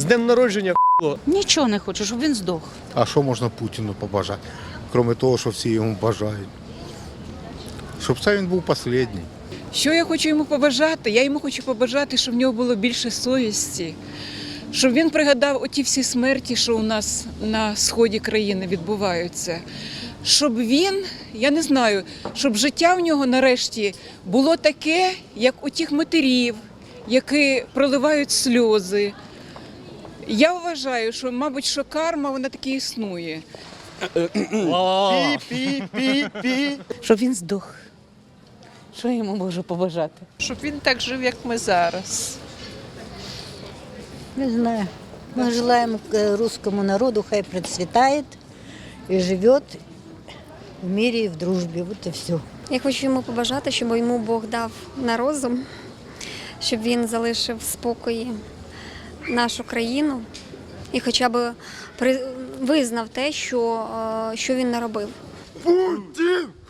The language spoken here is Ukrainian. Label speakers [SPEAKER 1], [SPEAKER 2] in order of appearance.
[SPEAKER 1] днем народження,
[SPEAKER 2] Нічого не хочу, щоб він здох.
[SPEAKER 3] А що можна Путіну побажати? Крім того, що всі йому бажають. Щоб це він був останній.
[SPEAKER 4] Що я хочу йому побажати? Я йому хочу побажати, щоб в нього було більше совісті, щоб він пригадав оті всі смерті, що у нас на сході країни відбуваються. Щоб він, я не знаю, щоб життя в нього нарешті було таке, як у тих матерів, які проливають сльози. Я вважаю, що, мабуть, що карма, вона таки існує.
[SPEAKER 2] Щоб він здох. Що я йому можу побажати?
[SPEAKER 5] Щоб він так жив, як ми зараз.
[SPEAKER 6] Не знаю. Мы желаем русскому народу, хай процветает и живет в мире и в дружбе. Вот и все.
[SPEAKER 7] Я хочу йому побажати, щоб йому Бог дав на розум, щоб він залишив в спокої нашу країну і хоча б визнав те, що він наробив.
[SPEAKER 8] Путін!